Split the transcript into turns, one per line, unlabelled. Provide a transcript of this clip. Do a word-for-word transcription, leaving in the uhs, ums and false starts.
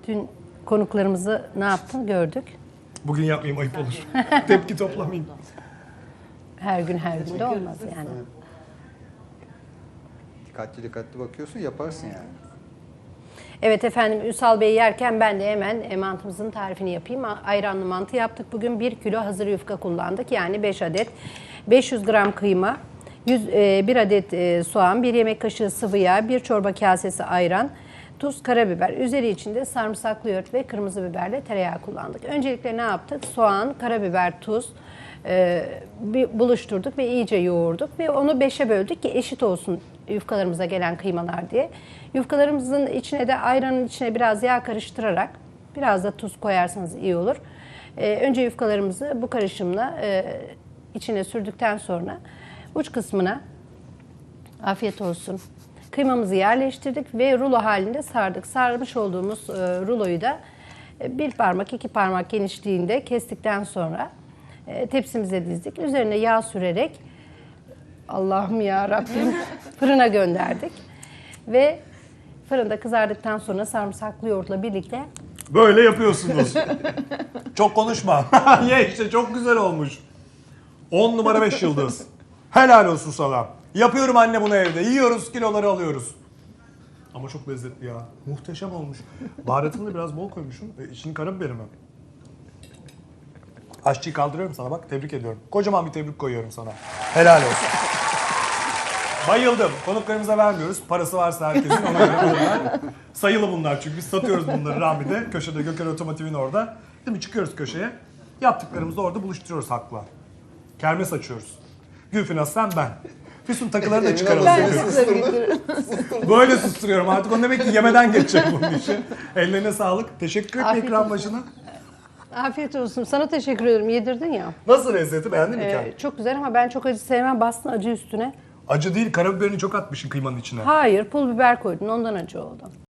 dün konuklarımızı ne yaptın gördük.
Bugün yapmayayım, ayıp olur. Tepki toplamayayım.
Her gün her gün de olmaz yani.
Dikkatli dikkatli bakıyorsun, yaparsın yani.
Evet efendim, Ünsal Bey yerken ben de hemen e, mantımızın tarifini yapayım. Ayranlı mantı yaptık. Bugün bir kilo hazır yufka kullandık. Yani beş adet. beş yüz gram kıyma, yüz, e, bir adet e, soğan, bir yemek kaşığı sıvı yağ, bir çorba kasesi ayran, tuz, karabiber. Üzeri içinde sarımsaklı yoğurt ve kırmızı biberle tereyağı kullandık. Öncelikle ne yaptık? Soğan, karabiber, tuz e, bir buluşturduk ve iyice yoğurduk. Ve onu beşe böldük ki eşit olsun yufkalarımıza gelen kıymalar diye. Yufkalarımızın içine de ayranın içine biraz yağ karıştırarak biraz da tuz koyarsanız iyi olur. Ee, önce yufkalarımızı bu karışımla e, içine sürdükten sonra uç kısmına afiyet olsun. Kıymamızı yerleştirdik ve rulo halinde sardık. Sarmış olduğumuz e, ruloyu da e, bir parmak iki parmak genişliğinde kestikten sonra e, tepsimize dizdik. Üzerine yağ sürerek Allah'ım ya Rabbim fırına gönderdik. Ve fırında kızardıktan sonra sarımsaklı yoğurtla birlikte
Böyle yapıyorsunuz. Çok konuşma. Ye işte, çok güzel olmuş. on numara beş yıldız. Helal olsun sana. Yapıyorum anne bunu evde. Yiyoruz, kiloları alıyoruz. Ama çok lezzetli ya. Muhteşem olmuş. Baharatını da biraz bol koymuşsun. E, içini karabiberim mi? Aşçıyı kaldırıyorum sana bak. Tebrik ediyorum. Kocaman bir tebrik koyuyorum sana. Helal olsun. Bayıldım. Konuklarımıza vermiyoruz. Parası varsa herkesin ona göre bunlar. Sayılı bunlar çünkü biz satıyoruz bunları Rami'de. Köşede Göker Otomotiv'in orada. Değil mi? Çıkıyoruz köşeye. Yaptıklarımızı orada buluşturuyoruz hakla. Kermes açıyoruz. Gülfin sen ben. Füsun takıları da çıkaralım. Böyle susturuyorum artık. O demek ki yemeden geçecek bunun işi. Ellerine sağlık. Teşekkür ederim
Afiyet
ekran
olsun.
başına.
afiyet olsun. Sana teşekkür ederim. Yedirdin ya.
Nasıl lezzeti, beğendin mi
Ee,
kendini?
çok güzel ama ben çok acı sevmem. Bastın acı üstüne.
Acı değil, karabiberini çok atmışsın kıymanın içine.
Hayır, pul biber koydun. Ondan acı oldu.